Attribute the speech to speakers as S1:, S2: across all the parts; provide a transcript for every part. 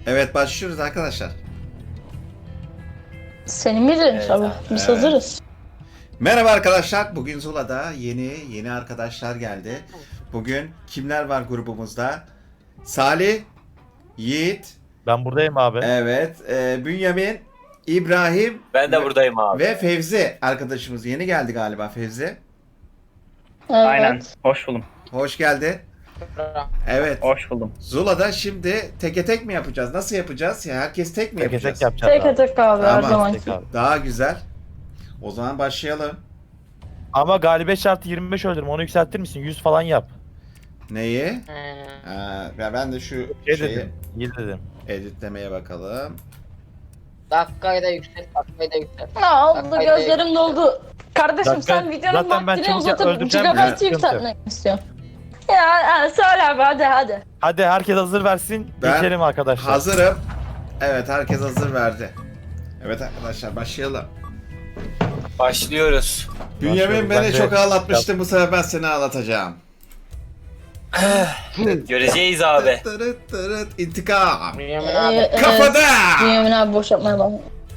S1: Evet başlıyoruz arkadaşlar.
S2: Senin bildiğin tabii. Biz hazırız.
S1: Merhaba arkadaşlar. Bugün Zula'da yeni arkadaşlar geldi. Bugün kimler var grubumuzda? Salih, Yiğit,
S3: Ben buradayım abi.
S1: evet, Bünyamin, İbrahim
S4: Ben de buradayım abi.
S1: ve Fevzi arkadaşımız. Yeni geldi galiba Fevzi.
S2: Evet.
S5: Aynen. Hoş buldum.
S1: Hoş geldi. Evet.
S5: Hoş buldum.
S1: Zula'da şimdi teke tek mi yapacağız? Nasıl yapacağız? Ya herkes tek mi
S3: Tek
S1: yapacağız?
S3: tek yapacağız
S2: Tek
S3: abi.
S2: tek abi her
S1: Tamam.
S2: zaman.
S3: Tek abi.
S1: Daha güzel. O zaman başlayalım.
S3: Ama galibiyet şartı 25 öldürme. Onu yükseltir misin? 100 falan yap.
S1: Neyi? Ben de şu
S3: Şey
S1: şeyi
S3: dedim. İyi dedim.
S1: editlemeye bakalım.
S6: Dakikayı da yükselt, dakikayı da yükselt.
S2: Ne oldu,
S6: Haydi.
S2: gözlerim doldu. Kardeşim
S3: Zaten-
S2: sen videonun
S3: zaten ben
S2: vaktini
S3: çabuk
S2: uzatıp
S3: öldüreceğim ya,
S2: gigabyte
S3: sıkıntı
S2: yükseltmek istiyorum. Ya söyle abi hadi.
S3: Hadi herkes hazır versin.
S1: Ben
S3: Geçelim arkadaşlar.
S1: Hazırım. Evet herkes hazır verdi. Evet arkadaşlar başlayalım.
S4: Başlıyoruz.
S1: Bünyamin
S3: Ben
S1: beni
S3: de-
S1: çok ağlatmıştı, bu sefer ben seni ağlatacağım.
S4: Göreceğiz abi.
S1: Tırıt tırıt intikam.
S6: Bünyamin abi.
S1: Kafada!
S2: Bünyamin abi boş yapmaya bak.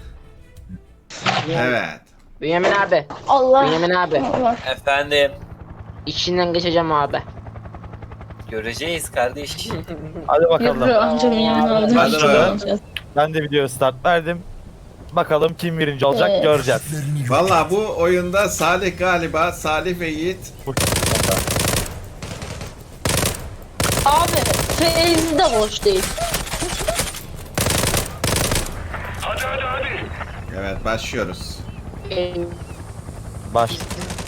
S1: Evet.
S6: Bünyamin abi.
S2: Allah.
S6: Bünyamin abi.
S2: Allah.
S4: Efendim.
S6: İçinden geçeceğim abi.
S4: Göreceğiz kardeş.
S3: Hadi
S2: Yürü
S3: bakalım.
S2: anca Bünyamin abi.
S1: Hadi bakalım.
S3: Ben de video start verdim. Bakalım kim birinci olacak
S2: Evet.
S3: göreceğiz.
S1: Valla bu oyunda Salih galiba, Salih ve Yiğit.
S2: Abi Feyzi de boş değil.
S1: Evet başlıyoruz.
S3: Baş.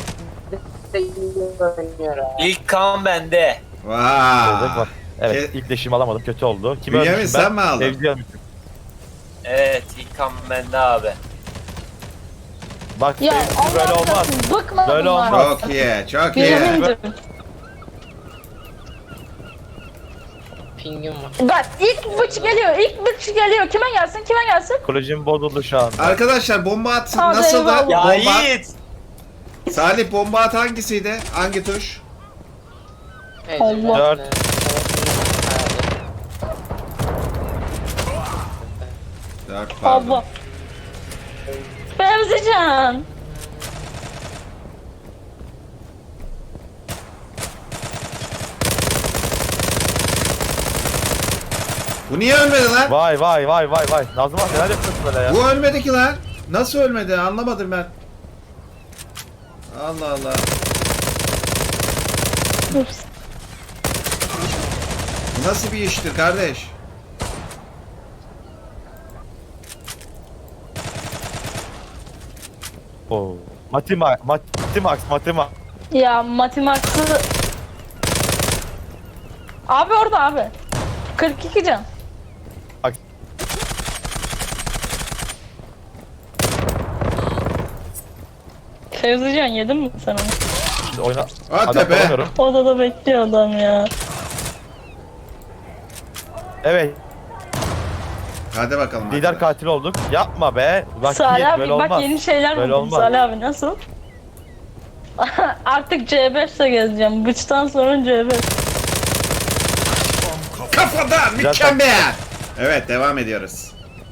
S4: İlk kan bende.
S1: Vaa.
S3: Evet ilk leşimi alamadım kötü oldu. Kimi
S1: Bünyamin,
S3: ölmüşüm ben?
S1: sen mi aldın?
S3: Fevzi ölmüşüm.
S4: Evet ilk kan bende abi.
S3: Bak
S2: Ya
S3: Fevzi böyle
S2: Allah
S3: olmaz.
S2: kahretsin, bıkma
S3: Böyle
S2: bunlar.
S3: olmaz.
S1: Çok iyi, çok iyi.
S2: Bünyamin'cim.
S6: Pingim var.
S2: Bak ilk bıç geliyor, Kime gelsin?
S3: Psikolojim bozuldu şu an.
S1: Arkadaşlar bomba at
S2: Hadi
S1: nasıldı?
S2: eyvallah.
S4: Ya
S1: Bomba.
S4: Yiğit.
S1: Salih bomba at hangisiydi? Hangi tuş?
S2: Allah.
S3: 4.
S1: Dört, pardon.
S2: Allah. Fevzican.
S1: Bu niye ölmedi lan?
S3: Vay. Nazım abi neler yapıyorsun böyle ya?
S1: Bu ölmedi ki lan. Nasıl ölmedi? Anlamadım ben. Allah Allah. Bu nasıl bir iştir kardeş?
S3: Oo. Matimax.
S2: Ya Matimax'ı... Abi orada abi. 42 can.
S3: Bak.
S2: Fevzican yedin mi sen onu?
S3: Şimdi oyna.
S1: Hadi
S3: Adam
S1: be.
S3: bulamıyorum.
S2: Odada bekliyor adam ya.
S3: Evet.
S1: Hadi bakalım.
S3: Lider
S1: arkadaş.
S3: katil olduk. Yapma be. Bak
S2: Salih
S3: Yiğit,
S2: abi
S3: böyle
S2: bak
S3: olmaz.
S2: yeni şeyler
S3: Böyle
S2: buldum.
S3: olmaz.
S2: Salih abi nasıl? Artık C5 ile gezeceğim. Bıçtan sonra C5.
S1: Kafada
S3: Güzel
S1: mükemmel. Evet devam ediyoruz.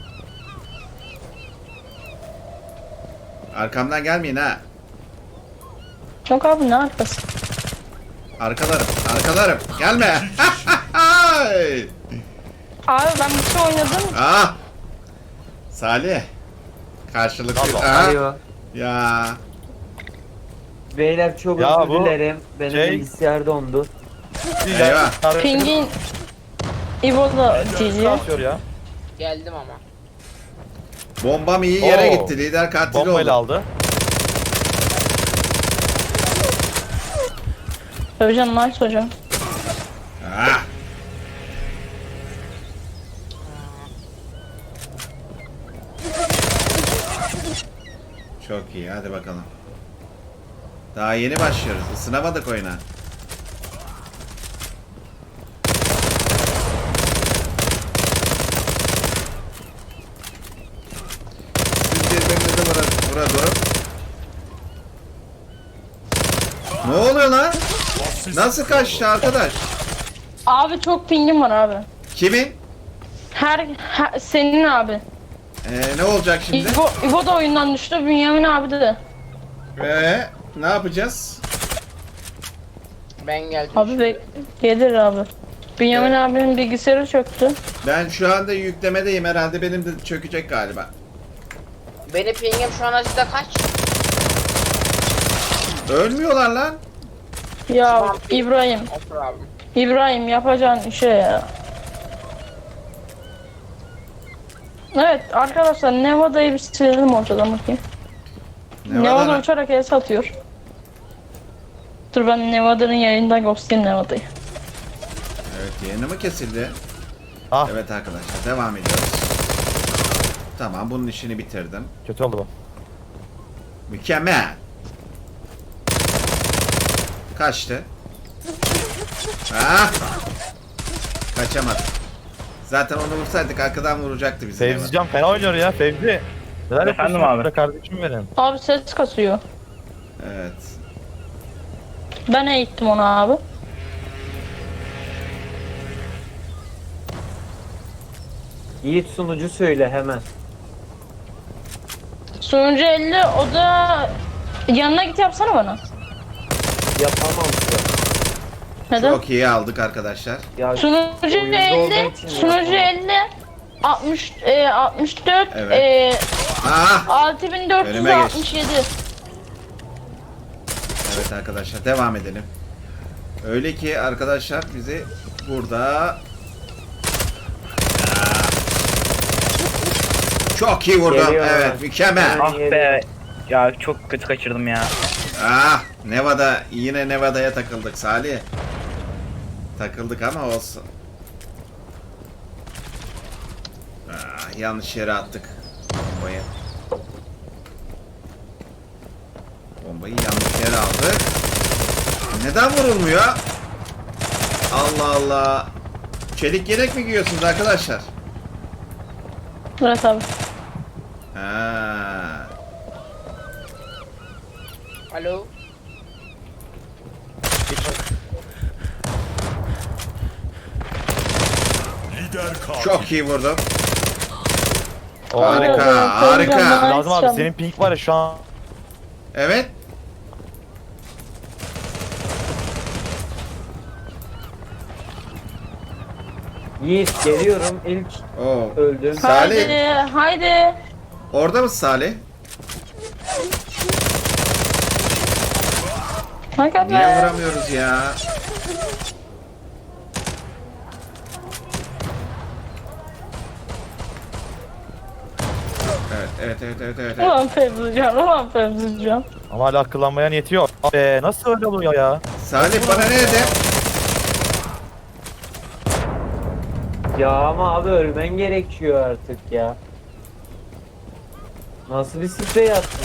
S1: Arkamdan gelmeyin ha.
S2: Yok abi ne arkası?
S1: Arkalarım. Gelme.
S2: Abi ben bir şey oynadım.
S1: Ah. Salih. Karşılıklı.
S3: Allah.
S1: Aha.
S7: Alo.
S1: Ya.
S7: Beyler çok
S3: Ya
S7: özür
S3: bu
S7: dilerim. Benim
S3: şey-
S7: bilgisayar dondu.
S1: Eyvah.
S2: Pingin İbo'da GG.
S3: Atıyor ya.
S6: Geldim ama.
S1: Bombam iyi yere
S3: Oo.
S1: gitti. Lider katil
S3: Bombayla
S1: oldu.
S3: aldı.
S2: Hocam nice hocam.
S1: Ah. Çok iyi. Hadi bakalım. Daha yeni başlıyoruz. Isınamadık oyuna. Siz birbirinize vura durup. Ne oluyor lan? Nasıl kaçtı arkadaş?
S2: Abi çok pingim var abi.
S1: Kimin?
S2: Senin abi.
S1: Ne olacak şimdi?
S2: İbo da oyundan düştü. Bünyamin abi de.
S1: Ne yapacağız?
S6: Ben geldim.
S2: Abi gelir abi. Bünyamin abinin bilgisayarı çöktü.
S1: Ben şu anda yüklemedeyim, herhalde benim de çökecek galiba.
S6: Benim pingim şu an acıda kaç?
S1: Ölmüyorlar lan.
S2: Ya
S6: Tamam.
S2: İbrahim.
S6: Otur abi.
S2: İbrahim yapacağın şey ya. Evet arkadaşlar Nevada'yı bir silelim ortadan bakayım. Nevada uçarak el satıyor. Dur ben Nevada'nın yayından ghostlayayım Nevada'yı.
S1: Evet, yayını mı kesildi?
S3: Ah.
S1: Evet arkadaşlar, devam ediyoruz. Tamam, bunun işini bitirdim.
S3: Kötü oldu bu.
S1: Mükemmel. Kaçtı. Ah! Kaçamadı. Zaten onu vursaydık arkadan vuracaktı bizi.
S3: Fevzi Can fena oynuyor ya Fevzi. Neler
S5: Efendim
S3: yapıyorsun
S5: abi?
S3: burada kardeşim benim.
S2: Abi ses kasıyor.
S1: Evet.
S2: Ben eğittim onu abi.
S5: Yiğit sunucu söyle hemen.
S2: Sunucu 50 o da yanına git yapsana bana.
S5: Yapamam ya.
S2: Neden?
S1: Çok iyi aldık arkadaşlar.
S5: Ya
S2: Sunucu
S5: oyunda
S2: 50,
S5: olduğum için
S2: sunucu
S5: yapamam.
S2: 50, 64,
S1: Evet. Ah!
S2: 6467.
S1: Evet arkadaşlar, devam edelim. Öyle ki arkadaşlar bizi burada... Ah! Çok iyi vurdum.
S5: Geliyor.
S1: Evet, mükemmel.
S5: Ah be. Ya çok kötü kaçırdım ya.
S1: Ah, Nevada, yine Nevada'ya takıldık Salih. Takıldık ama olsun. Ah, yanlış yere attık bombayı. Bombayı yanlış yere aldık. Neden vurulmuyor? Allah Allah. Çelik yelek mi giyiyorsunuz arkadaşlar?
S2: Evet abi.
S1: Ha.
S6: Alo.
S1: Çok iyi vurdum.
S3: Oo.
S1: Harika, harika.
S3: Lazım abi senin pink var ya şu an.
S1: Evet.
S5: Yiğit geliyorum ilk
S1: Oo.
S5: öldüm.
S1: Salih.
S2: Haydi.
S1: Orada mısın Salih?
S2: Hakikaten.
S1: Niye vuramıyoruz ya? Evet.
S2: Ulan Fevzican, ulan Fevzican.
S3: Ama hala akıllanmaya niyeti yok. Be nasıl öyle oluyor ya?
S1: Salih bana ne dedi?
S5: Ya ama abi ölmen gerekiyor artık ya. Nasıl bir sprey attın?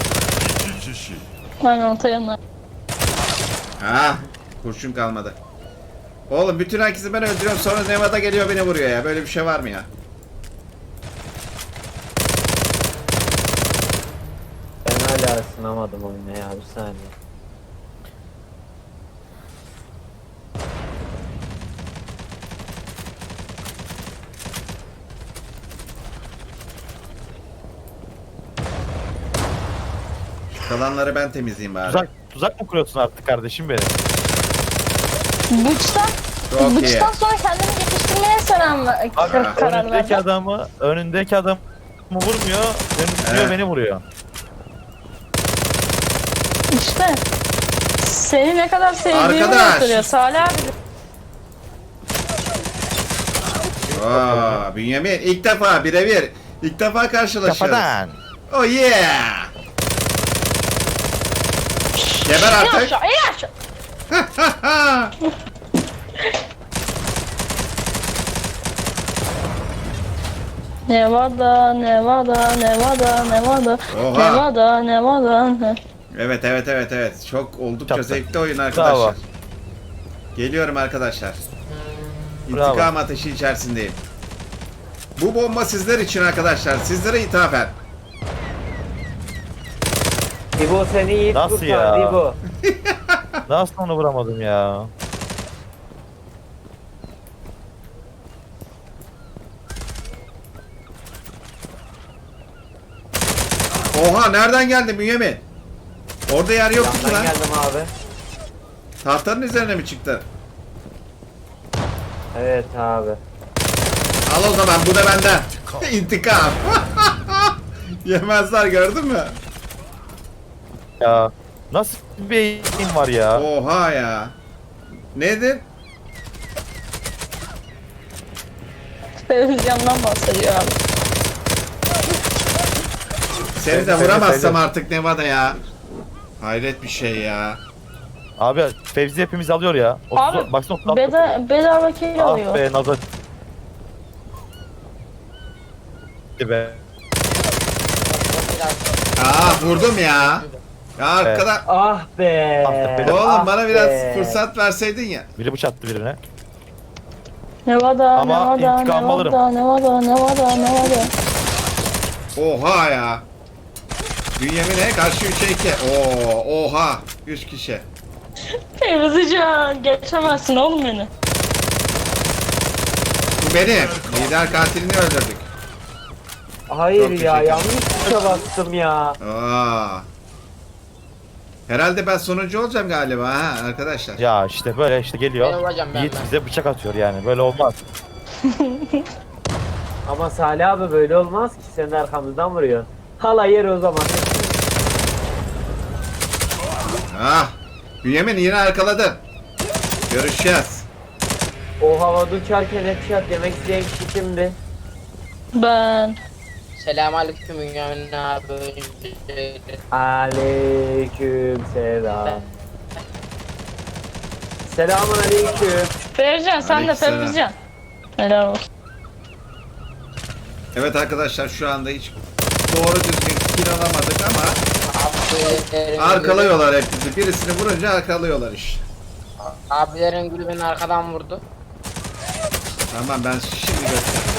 S2: Aynen orta yanına.
S1: Ha, kurşun kalmadı. Oğlum bütün herkesi ben öldürüyorum, sonra Nevada geliyor beni vuruyor ya. Böyle bir şey var mı ya?
S5: Ben hala ısınamadım oyuna ya bir saniye.
S1: Şu kalanları ben temizleyeyim bari.
S3: Tuzak mı kuruyorsun artık kardeşim benim?
S2: Bıçtan,
S1: Çok iyi.
S2: bıçtan sonra kendini geliştirmeye karar
S3: Önündeki
S2: verdim.
S3: önündeki adamı vurmuyor,
S1: Evet.
S3: beni vuruyor.
S2: İşte. Seni ne kadar sevdiğimi
S1: Arkadaş.
S2: gösteriyor Salih abi.
S1: Aa, Bünyamin ilk defa birebir. İlk defa karşılaşıyoruz.
S3: Kafadan.
S1: Oh yeah. Geber
S2: İn
S1: artık.
S2: aşağı, in aşağı. Nevada.
S1: Oha.
S2: Nevada.
S1: Evet. Çok oldukça
S3: Çattı.
S1: zevkli oyun arkadaşlar.
S3: Bravo.
S1: Geliyorum arkadaşlar.
S3: Bravo.
S1: İntikam ateşi içerisindeyim. Bu bomba sizler için arkadaşlar. Sizlere ithafen.
S5: İbo seni Yiğit
S3: Nasıl
S5: kurtardı
S3: ya?
S5: İbo.
S3: Nasıl onu vuramadım ya?
S1: Oha nereden geldi Bünyamin? Orada yer yoktu ki
S5: Yandan
S1: lan.
S5: geldim abi.
S1: Tahtanın üzerine mi çıktı?
S5: Evet abi.
S1: Al o zaman bu da benden. İntikam. Yemezler gördün mü?
S3: Ya nasıl bir beyin var ya?
S1: Oha ya. Nedir?
S2: Televizyondan bahsediyor abi.
S1: Seni de
S3: Seni
S1: vuramazsam
S3: sevdim.
S1: artık Nevada ya. Hayret bir şey ya.
S3: Abi Fevzi hepimiz alıyor ya.
S2: Abi,
S3: Baksana 36.
S2: Bedava kill
S3: Ah
S2: alıyor.
S3: be nazar. Gitti be.
S1: Vurdum ya. Ya arkada.
S5: Ah be.
S3: Ah be.
S1: Oğlum
S5: Ah
S1: bana biraz
S5: be.
S1: fırsat verseydin ya.
S3: Biri bıçak attı birine.
S2: Nevada,
S3: Ama
S2: Nevada,
S3: intikam alırım.
S2: Nevada, Nevada, Nevada.
S1: Oha ya. Bünyamin'e karşı 3'e 2. Oha. 3 kişi.
S2: Fevzican geçemezsin oğlum beni.
S1: Bu benim. Lider katilini öldürdük.
S5: Hayır
S1: Çok
S5: ya
S1: teşekkür
S5: yanlış tuşa bastım ya.
S1: Herhalde ben sonuncu olacağım galiba ha arkadaşlar.
S3: Ya işte böyle işte
S6: Ben
S3: geliyor.
S6: olacağım ben.
S3: Yiğit bize bıçak atıyor yani. Böyle olmaz.
S5: Ama Salih abi böyle olmaz ki senin arkamızdan vuruyor. Hala yer o zaman.
S1: Bünyamin yine arkaladın. Görüşeceğiz.
S5: O havada uçarken headshot yemek isteyen kişi kimdi?
S2: Ben.
S6: Selamünaleyküm Bünyamin abi.
S5: Aleyküm selam. Selamun aleyküm.
S2: Fevzican sen de
S1: Aleykümselam.
S2: Fevzican. Helal olsun.
S1: Evet arkadaşlar şu anda hiç doğru düzgün kill alamadık ama arkalıyorlar hep bizi. Birisini vurunca arkalıyorlar işte.
S6: Abilerin gülü beni arkadan vurdu.
S1: Tamam ben şimdi göstereyim.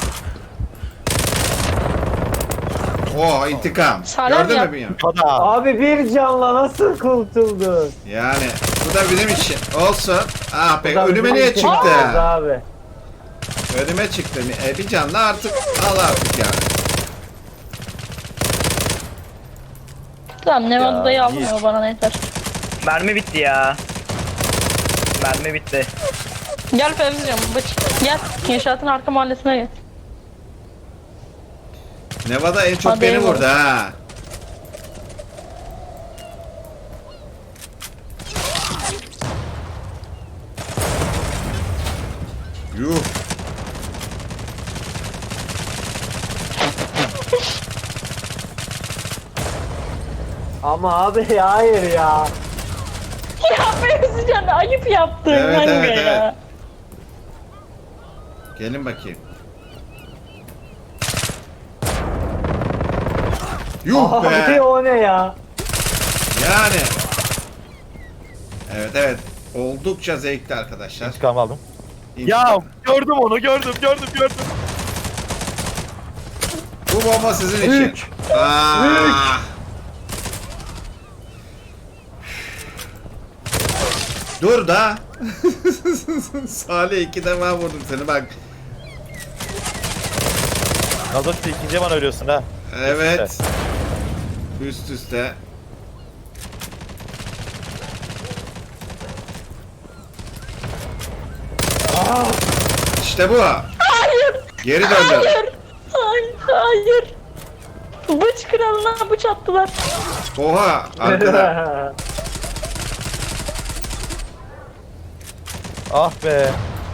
S1: Oh intikam.
S2: Salih
S1: Gördün
S2: ya.
S1: mü Bünyamin?
S3: Hadi.
S5: Abi bir canla nasıl kurtuldun?
S1: Yani bu da bizim için. Olsun. Ah be
S5: Bu da
S1: önüme
S5: bizim
S1: niye
S5: için
S1: çıktı?
S5: olmaz Abi.
S1: Önüme çıktı. Bir canlı artık al artık yani.
S2: Tamam Nevada'yı
S3: Ya,
S2: almıyor bana ne yeter.
S7: Mermi bitti ya. Mermi bitti.
S2: Gel Fevzican bıç. Gel. İnşaatın arka mahallesine gel.
S1: Nevada en çok
S2: Hadi
S1: beni
S2: eyvallah.
S1: vurdu ha. Yuh.
S5: Ama abi hayır ya.
S2: Ya Fevzican ayıp yaptın
S1: Evet,
S2: kanka
S1: evet,
S2: ya.
S1: evet. Gelin bakayım. Yuh
S5: Abi
S1: be.
S5: o ne ya?
S1: Yani. Evet evet. Oldukça zevkli arkadaşlar.
S3: İntikam aldım.
S1: İntikam.
S3: Ya gördüm onu gördüm.
S1: Bu bomba sizin için. Aa. Dur da. Salih 2 defa vurdum seni bak.
S3: Nazar ikinci bana ölüyorsun ha.
S1: Evet. Üst üste. İşte bu.
S2: Hayır.
S1: Geri döndüm.
S2: Hayır. Hayır. Hayır. Bıç kralına bıç attılar.
S1: Oha arkada.
S3: Ah be.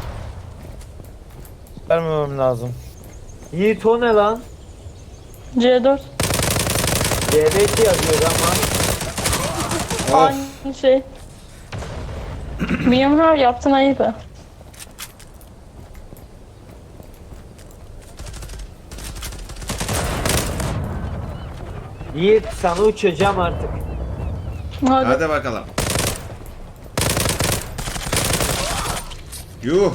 S3: Vermemem lazım.
S5: Yiğit o ne lan?
S2: C4.
S5: C5 yazıyor ama.
S1: Of.
S2: Aynı şey. Bünyamin abi yaptın ayıp ha.
S5: Yiğit sana uçacağım artık.
S2: Hadi.
S1: Hadi bakalım. Yuh.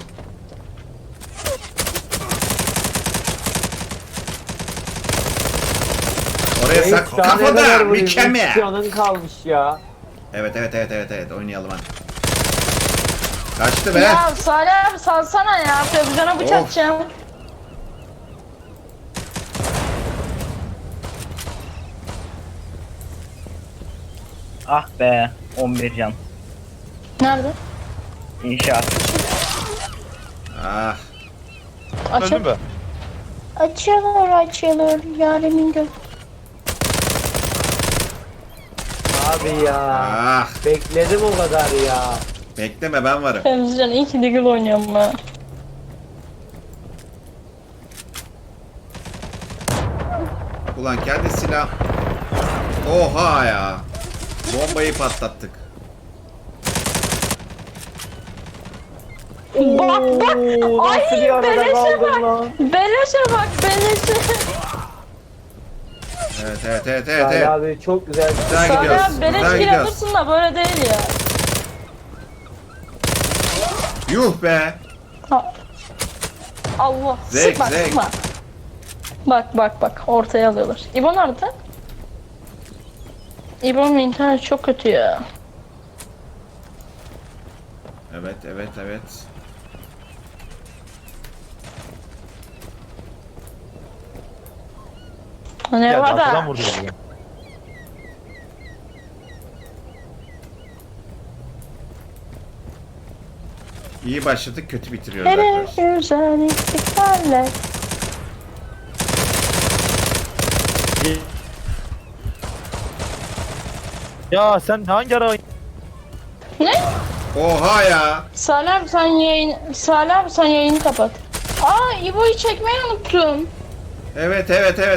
S1: Oraya
S5: Yiğit,
S1: sak
S5: daha ne kadar
S1: kafada
S5: vurayım?
S1: mükemmel.
S5: Üç canın kalmış ya.
S1: Evet oynayalım hadi. Kaçtı be.
S2: Ya Salih abi salsana ya. Fevzican'a bıç
S1: Of.
S7: Ah be 11 can.
S2: Nerede?
S7: İnşaat.
S1: Ah.
S3: Öldün
S2: Açıl.
S3: mü?
S2: Açılır yarimin göz.
S5: Abi ya.
S1: Ah.
S5: Bekledim o kadar ya.
S1: Bekleme, ben varım.
S2: Temizcan iyi ki Deagle oynuyorum ben.
S1: Ulan kendi silah. Oha ya. Bombayı patlattık.
S2: Bak bak.
S5: Oo,
S2: Ay
S5: nasıl bir arada
S2: beleşe
S5: kaldın
S2: bak.
S5: lan?
S2: Beleşe bak beleşe.
S1: Evet.
S5: Salih abi çok güzel.
S1: Güzel
S2: Sana
S1: gidiyoruz.
S2: beleş
S1: Güzel
S2: kill
S1: gidiyoruz.
S2: alırsın da böyle değil ya.
S1: Yuh be.
S2: Ha. Allah.
S1: Zevk,
S2: Sıkma
S1: zevk.
S2: sıkma. Bak ortaya alıyorlar. İbo nerede? İbo'nun internet çok kötü ya.
S1: Evet.
S2: Ne
S3: Geldi
S2: var
S3: arkadan
S2: da?
S3: vurdu beni.
S1: İyi başladık, kötü bitiriyoruz arkadaşlar.
S2: Nereye güzel istikballer.
S3: Ya sen hangi ara
S2: Ne?
S1: Oha ya.
S2: Salih abi sen yayını kapat. Aa İbo'yu çekmeyi unuttum.
S1: Evet.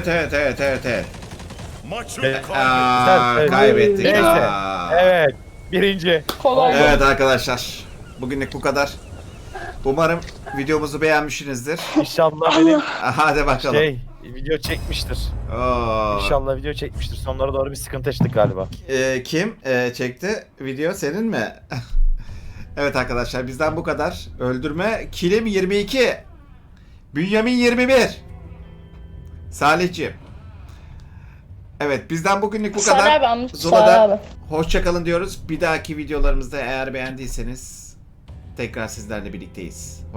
S8: Maçı
S3: Evet.
S1: Aa,
S3: Evet.
S1: kaybettik.
S3: Neyse.
S1: Aa.
S3: Evet. Birinci.
S2: Kolay gelsin.
S1: Evet arkadaşlar. Bugünlük bu kadar. Umarım videomuzu beğenmişsinizdir.
S3: İnşallah benim
S1: Hadi bakalım.
S3: video çekmiştir.
S1: Oo.
S3: İnşallah video çekmiştir. Sonlara doğru bir sıkıntı yaşadık galiba.
S1: Kim çekti video, senin mi? Evet arkadaşlar, bizden bu kadar. Öldürme kilim 22. Bünyamin 21. Salihciğim. Evet, bizden bugünlük bu
S2: Salih
S1: kadar.
S2: abi amca, Salih
S1: Zula'da
S2: abi.
S1: hoşçakalın diyoruz. Bir dahaki videolarımızda eğer beğendiyseniz tekrar sizlerle birlikteyiz.